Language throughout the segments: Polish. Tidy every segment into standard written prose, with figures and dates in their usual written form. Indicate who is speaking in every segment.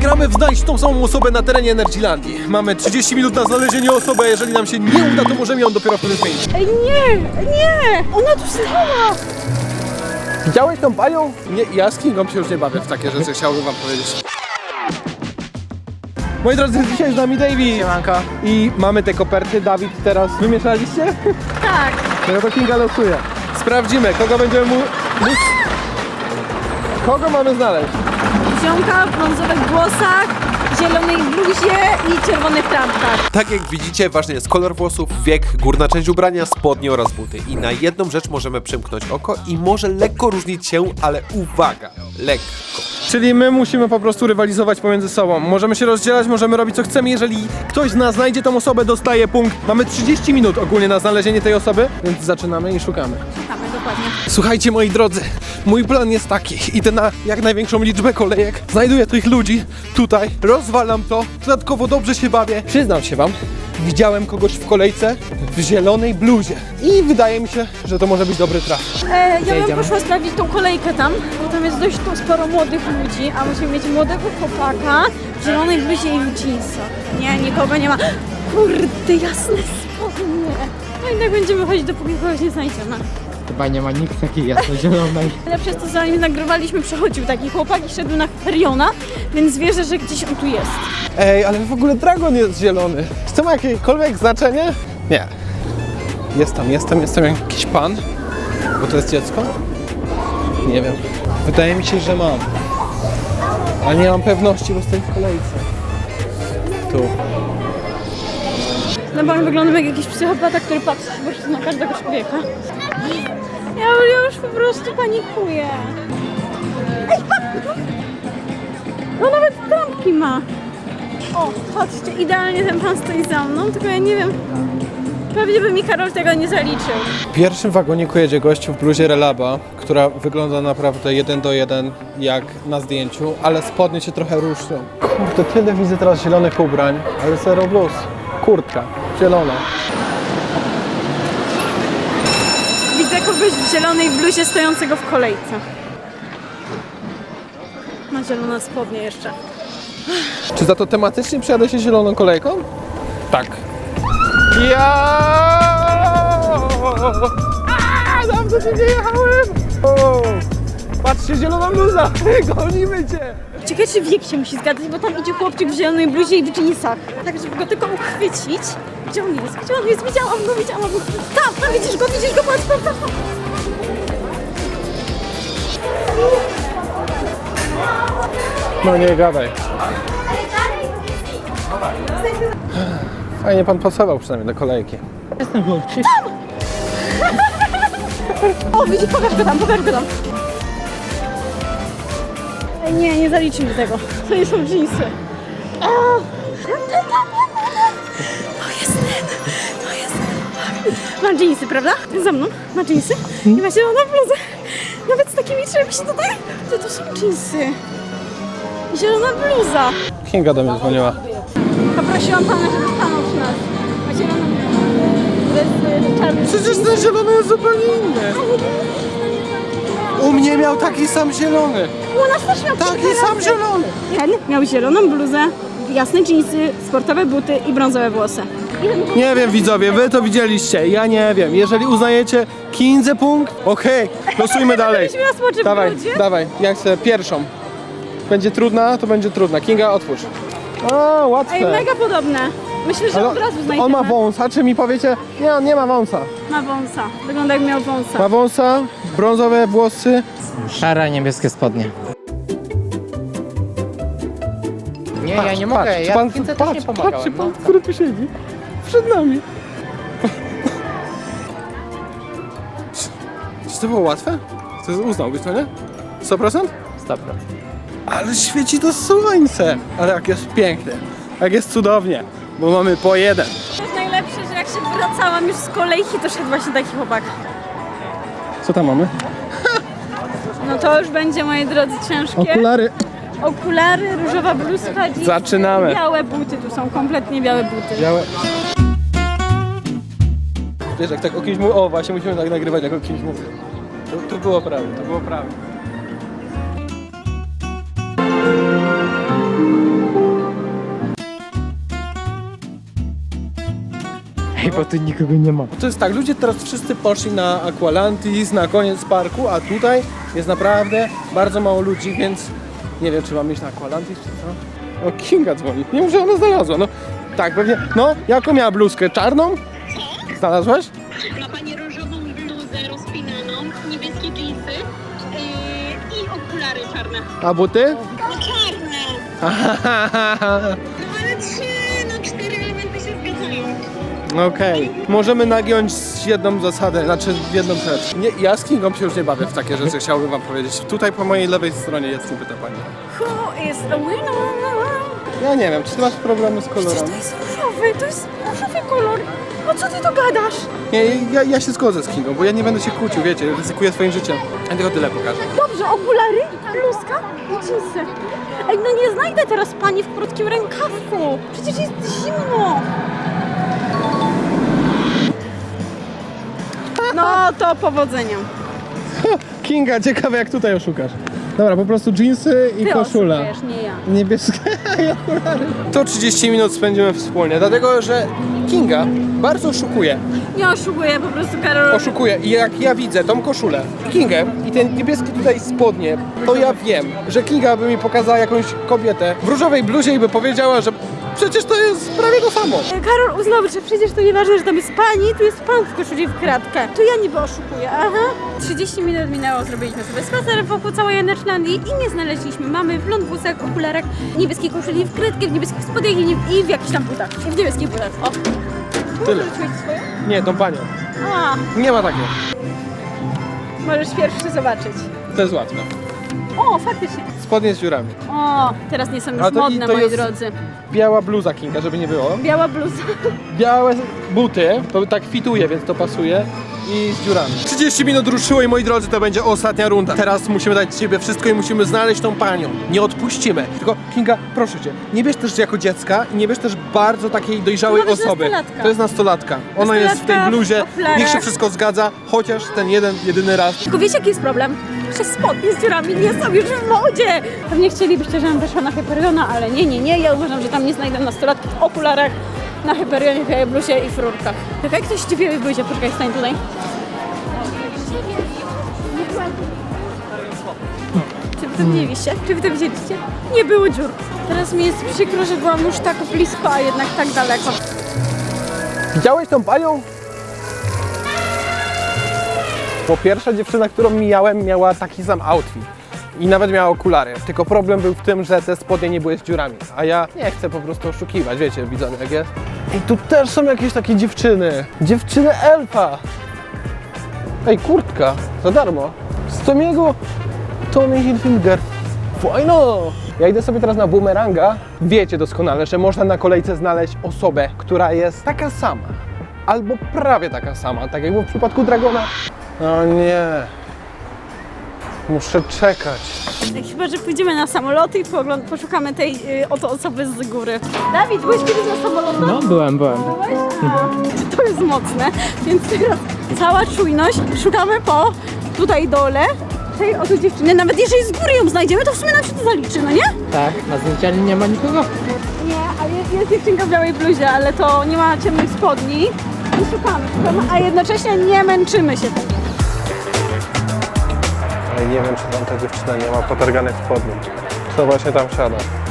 Speaker 1: Gramy w znajdź tą samą osobę na terenie Energylandii. Mamy 30 minut na znalezienie osoby, a jeżeli nam się nie uda, to możemy ją dopiero wtedy zmienić.
Speaker 2: Ej, nie! Ona tu stała!
Speaker 1: Widziałeś tą panią? Nie, ja z Kingą się już nie bawię w takie rzeczy, chciałbym wam powiedzieć. Moi drodzy, dzisiaj z nami David.
Speaker 3: Siemanko.
Speaker 1: I mamy te koperty. Dawid, teraz wymieszaliście?
Speaker 2: Tak.
Speaker 1: No to Kinga losuje. Sprawdzimy, kogo będziemy Kogo mamy znaleźć?
Speaker 2: Ziomka w brązowych włosach, zielonej bluzie i czerwonych trampkach.
Speaker 4: Tak jak widzicie, ważny jest kolor włosów, wiek, górna część ubrania, spodnie oraz buty. I na jedną rzecz możemy przymknąć oko i może lekko różnić się, ale uwaga, lekko.
Speaker 1: Czyli my musimy po prostu rywalizować pomiędzy sobą. Możemy się rozdzielać, możemy robić co chcemy. Jeżeli ktoś z nas znajdzie tą osobę, dostaje punkt. Mamy 30 minut ogólnie na znalezienie tej osoby, więc zaczynamy i szukamy.
Speaker 2: Szukamy, dokładnie.
Speaker 1: Słuchajcie, moi drodzy, mój plan jest taki. Idę na jak największą liczbę kolejek, znajduję tych ludzi tutaj, rozwalam to, dodatkowo dobrze się bawię. Przyznam się wam, widziałem kogoś w kolejce w zielonej bluzie i wydaje mi się, że to może być dobry traf.
Speaker 2: Ja bym poszła sprawdzić tą kolejkę tam, bo tam jest dość sporo młodych ludzi, a musimy mieć młodego chłopaka w zielonej bluzie i w jeansach. Nie, nikogo nie ma. Kurde, jasne spodnie. No i tak będziemy chodzić, dopóki kogoś nie znajdziemy.
Speaker 3: Chyba nie ma nikt takiej jasno-zielonej.
Speaker 2: Ale przez to, zanim nagrywaliśmy, przechodził taki chłopak i szedł na Feriona, więc wierzę, że gdzieś on tu jest.
Speaker 1: Ej, ale w ogóle dragon jest zielony. Czy to ma jakiekolwiek znaczenie? Nie. Jestem jakiś pan? Bo to jest dziecko? Nie wiem. Wydaje mi się, że mam. Ale nie mam pewności, bo stoję w kolejce. Tu.
Speaker 2: No bo on wygląda jak jakiś psychopata, który patrzy po prostu na każdego człowieka. Ja już po prostu panikuję. Ej, patrz! No nawet trampki ma. O, patrzcie, idealnie ten pan stoi za mną, tylko ja nie wiem. Pewnie by mi Karol tego nie zaliczył.
Speaker 1: W pierwszym wagoniku jedzie gościu w bluzie Relaba, która wygląda naprawdę 1:1 jak na zdjęciu, ale spodnie się trochę różnią. Kurde, tyle widzę teraz zielonych ubrań, ale zero bluz. Kurtka, zielona.
Speaker 2: Widzę kogoś w zielonej bluzie stojącego w kolejce. Ma zielone spodnie jeszcze.
Speaker 1: Czy za to tematycznie przejadę się zieloną kolejką? Tak. Dawno się nie jechałem! O, patrzcie, zielona bluza! Gonimy cię!
Speaker 2: Ciekawe, czy wiek się musi zgadzać, bo tam idzie chłopczyk w zielonej bluzie i w jeansach. Tak, żeby go tylko uchwycić. Gdzie on jest? Gdzie on jest? Widziałam go! Tam, widzisz go, patrz, patrz.
Speaker 1: No nie gadaj. Fajnie pan pasował przynajmniej do kolejki.
Speaker 3: Jestem chłopczy.
Speaker 2: O, widzisz, pokaż go tam. Ej, nie zaliczy mi tego. To nie są dżinsy. O! To jest ten. Ma dżinsy, prawda? Za mną, ma dżinsy i ma zieloną bluzę. Nawet z takimi czymś tutaj. To są dżinsy. Zielona bluza.
Speaker 1: Kinga do mnie dzwoniła.
Speaker 2: Poprosiłam pana, żeby stanął przy nas. Ma zieloną bluzę z czarnym.
Speaker 1: Przecież ten zielony jest zupełnie inny. U mnie miał taki sam zielony.
Speaker 2: U nas też miał
Speaker 1: Taki
Speaker 2: kilka
Speaker 1: sam
Speaker 2: razy.
Speaker 1: zielony.
Speaker 2: Ten miał zieloną bluzę, jasne dżinsy, sportowe buty i brązowe włosy.
Speaker 1: Nie wiem, widzowie, wy to widzieliście, ja nie wiem. Jeżeli uznajecie Kindze punkt, okej, losujmy dalej.
Speaker 2: Byliśmy na smoczym brudzie.
Speaker 1: Dawaj, ja chcę pierwszą. Będzie trudna, to będzie trudna. Kinga, otwórz. O, łatwe.
Speaker 2: Ej, mega podobne. Myślę, że
Speaker 1: Ale
Speaker 2: od razu znajdziemy.
Speaker 1: on ma wąsa, czy mi powiecie? Nie, on nie ma wąsa.
Speaker 2: Ma wąsa. Wygląda jak miał wąsa.
Speaker 1: Ma wąsa, brązowe włosy.
Speaker 3: Szare, niebieskie spodnie. Nie, ja nie mogę,
Speaker 1: Patrz,
Speaker 3: ja
Speaker 1: pan,
Speaker 3: Kince też nie pomagałem.
Speaker 1: Patrzcie, pan, który tu siedzi. Przed nami. Czy to było łatwe? To uznałbyś to, nie? 100%?
Speaker 3: 100%.
Speaker 1: Ale świeci to słońce. Ale jak jest pięknie. Jak jest cudownie. Bo mamy po jeden.
Speaker 2: To jest najlepsze, że jak się wracałam już z kolejki, to szedł właśnie taki chłopak.
Speaker 1: Co tam mamy?
Speaker 2: No to już będzie, moi drodzy, ciężkie. Okulary, różowa bluzka, jeans,
Speaker 1: Zaczynamy.
Speaker 2: białe buty, tu są kompletnie białe buty.
Speaker 1: Białe. Wiesz, jak tak o kimś mówię, o właśnie musimy tak nagrywać, jak o kimś mówię. To było prawie.
Speaker 3: Bo tu nikogo nie ma.
Speaker 1: To jest tak, ludzie teraz wszyscy poszli na Aqualantis, na koniec parku, a tutaj jest naprawdę bardzo mało ludzi, więc nie wiem, czy mam iść na Aqualantis, czy co? O, Kinga dzwoni. Nie wiem, że ona znalazła, no. Tak, pewnie. No, jaką miała bluzkę? Czarną? Znalazłaś?
Speaker 5: Ma pani różową bluzę rozpinaną, niebieskie dżinsy i okulary czarne.
Speaker 1: A buty?
Speaker 5: No czarne! No ale 4 elementy się zgadzają.
Speaker 1: Okej. Możemy nagiąć jedną zasadę, znaczy jedną rzecz. Nie, ja z Kingą się już nie bawię w takie rzeczy, chciałbym wam powiedzieć. Tutaj po mojej lewej stronie jest, pyta pani.
Speaker 2: Who is the winner?
Speaker 1: Ja nie wiem, czy ty masz problemy z
Speaker 2: Przecież
Speaker 1: kolorem?
Speaker 2: to jest różowy, to jest różowy kolor. O co ty to gadasz?
Speaker 1: Nie, ja się zgodzę z Kingą, bo ja nie będę się kłócił, wiecie, ryzykuję swoim życiem. Ja tylko tyle pokażę.
Speaker 2: Dobrze, okulary, bluzka i dżinsy. Ej, no nie znajdę teraz pani w krótkim rękawku. Przecież jest zimno. No to powodzenia.
Speaker 1: Kinga, ciekawe jak tutaj oszukasz. Dobra, po prostu dżinsy i
Speaker 2: Ty
Speaker 1: koszula.
Speaker 2: oszukujesz, nie ja.
Speaker 1: Niebieskie i okulary. To 30 minut spędzimy wspólnie, dlatego że Kinga bardzo oszukuje.
Speaker 2: Nie oszukuję, po prostu Karol.
Speaker 1: Oszukuje i jak ja widzę tą koszulę i Kingę i ten niebieski tutaj spodnie, to ja wiem, że Kinga by mi pokazała jakąś kobietę w różowej bluzie i by powiedziała, że przecież to jest prawie to samo.
Speaker 2: Karol uznał, że przecież to nieważne, że tam jest pani, tu jest pan w koszuli w kratkę. To ja niby oszukuję, aha. 30 minut minęło, zrobiliśmy sobie spacer wokół całej Janeczlandii i nie znaleźliśmy mamy w lądbusach, okularach, niebieskiej koszuli w kratkę, w niebieskich spodniach i w jakichś tam butach. I w niebieskich butach, o.
Speaker 1: Tyle.
Speaker 2: Możesz mieć swoje?
Speaker 1: Nie, tą panią.
Speaker 2: A,
Speaker 1: Nie ma takiego.
Speaker 2: możesz pierwszy zobaczyć.
Speaker 1: To jest łatwe.
Speaker 2: O, faktycznie.
Speaker 1: Spodnie z dziurami.
Speaker 2: O, teraz nie są już
Speaker 1: A to-
Speaker 2: modne,
Speaker 1: to
Speaker 2: moi
Speaker 1: jest-
Speaker 2: drodzy.
Speaker 1: Biała bluza Kinga, żeby nie było.
Speaker 2: Biała bluza.
Speaker 1: Białe buty, to tak fituje, więc to pasuje. I z dziurami. 30 minut ruszyło i moi drodzy, to będzie ostatnia runda. Teraz musimy dać z siebie wszystko i musimy znaleźć tą panią. Nie odpuścimy. Tylko Kinga, proszę cię, nie bierz też jako dziecka i nie bierz też bardzo takiej dojrzałej
Speaker 2: To ma być
Speaker 1: osoby.
Speaker 2: nastolatka.
Speaker 1: To jest nastolatka. Ona jest w tej
Speaker 2: Nastolatka,
Speaker 1: bluzie.
Speaker 2: w okularach.
Speaker 1: Niech się wszystko zgadza, chociaż ten jedyny raz.
Speaker 2: Tylko wiecie, jaki jest problem? Że spodnie z dziurami nie są już w modzie. Pewnie chcielibyście, żebym weszła na Hyperiona, ale nie. Ja uważam, że tam nie znajdę nastolatki w okularach, na Hyperionie, w białej bluzie i w rurkach. Czekaj, ktoś ci w białej bluzie, poczekaj, stań tutaj. Czy wy to widzieliście? Czy wy to widzieliście? Nie było dziur. Teraz mi jest przykro, że byłam już tak blisko, a jednak tak daleko.
Speaker 1: Widziałeś tą panią? Bo pierwsza dziewczyna, którą mijałem, miała taki sam outfit. I nawet miała okulary. Tylko problem był w tym, że te spodnie nie były z dziurami. A ja nie chcę po prostu oszukiwać, wiecie, widzowie jak jest. I tu też są jakieś takie dziewczyny. Dziewczyny elfa. Ej, kurtka, za darmo. Z Tomiego Tommy Hilfiger. Fajno! Ja idę sobie teraz na Boomeranga. Wiecie doskonale, że można na kolejce znaleźć osobę, która jest taka sama. Albo prawie taka sama, tak jak było w przypadku Dragona. O nie. Muszę czekać.
Speaker 2: Chyba, że pójdziemy na samoloty i poszukamy tej oto osoby z góry. Dawid, byłeś kiedyś na samolotach?
Speaker 3: No, byłem.
Speaker 2: Byłeś? To jest mocne, więc teraz cała czujność. Szukamy po tutaj dole tej oto dziewczyny. Nawet jeżeli z góry ją znajdziemy, to w sumie nam się to zaliczy, no nie?
Speaker 3: Tak, na zdjęciu nie ma nikogo.
Speaker 2: Nie, ale jest dziewczynka w białej bluzie, ale to nie ma ciemnych spodni. I szukamy, a jednocześnie nie męczymy się.
Speaker 1: Ale nie wiem, czy tam ta dziewczyna nie ma potarganych spodni. Co właśnie tam siada.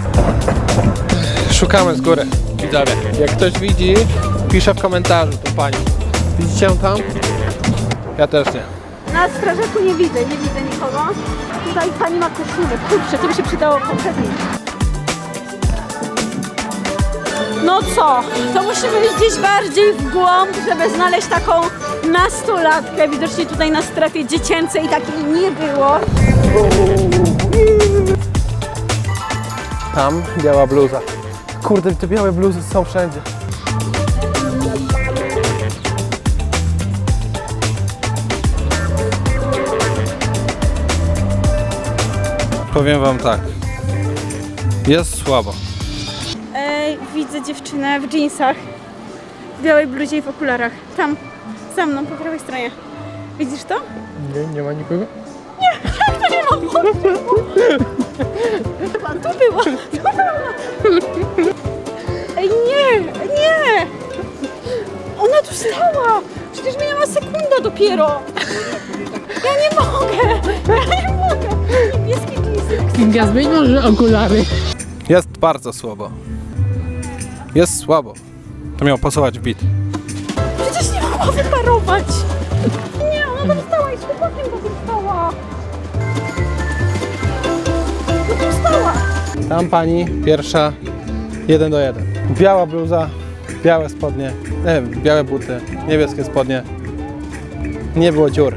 Speaker 1: Szukamy z góry, widzowie. Jak ktoś widzi, pisze w komentarzu tą panią. Widzicie ją tam? Ja też nie.
Speaker 2: Na strażaku nie widzę nikogo. Tutaj pani ma koszulę. Kurczę, to by się przydało poprzedniej. No co? To musimy iść gdzieś bardziej w głąb, żeby znaleźć taką nastolatkę. Widocznie tutaj na strefie dziecięcej takiej nie było.
Speaker 1: Tam biała bluza. Kurde, te białe bluzy są wszędzie. Powiem wam tak. Jest słabo.
Speaker 2: Widzę dziewczynę w dżinsach, w białej bluzie i w okularach. Tam, za mną, po prawej stronie. Widzisz to?
Speaker 3: Nie ma nikogo.
Speaker 2: To nie ma wody. Chyba tu była. Ej, nie. Ona tu wstała! Przecież minęła sekunda dopiero! Ja nie mogę! Ja nie mogę! Niebieskie jeansy.
Speaker 3: Kinga, zmień może okulary.
Speaker 1: Jest bardzo słabo. Jest słabo. To miało pasować w bit.
Speaker 2: Przecież nie mogła wyparować! Nie, ona tam stała i z chłopakiem tam stała! No tam stała!
Speaker 1: Tam pani pierwsza 1 do 1. Biała bluza, białe spodnie, nie wiem, białe buty, niebieskie spodnie. Nie było dziur.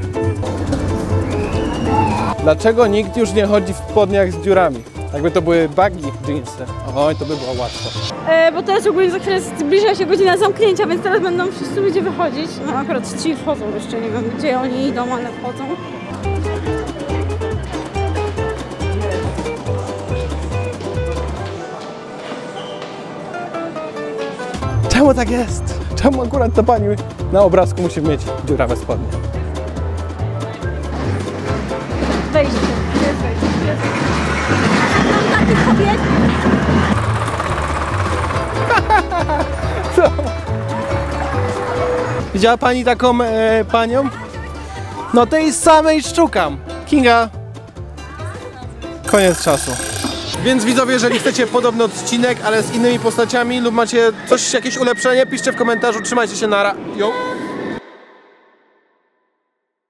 Speaker 1: Dlaczego nikt już nie chodzi w spodniach z dziurami? Jakby to były baggy jeansy. Oj, to by było łatwo.
Speaker 2: Bo teraz ogólnie za chwilę zbliża się godzina zamknięcia, więc teraz będą wszyscy ludzie wychodzić. No akurat ci wchodzą jeszcze, nie wiem gdzie oni idą, ale wchodzą.
Speaker 1: Czemu tak jest? Czemu akurat ta pani na obrazku musi mieć dziurawe spodnie?
Speaker 2: Wejście, jest wejście, jest wejście. Mam takich kobiet.
Speaker 1: Widziała pani taką panią? No tej samej szukam. Kinga. Koniec czasu. Więc widzowie, jeżeli chcecie podobny odcinek, ale z innymi postaciami lub macie coś, jakieś ulepszenie, piszcie w komentarzu. Trzymajcie się, nara. Yo.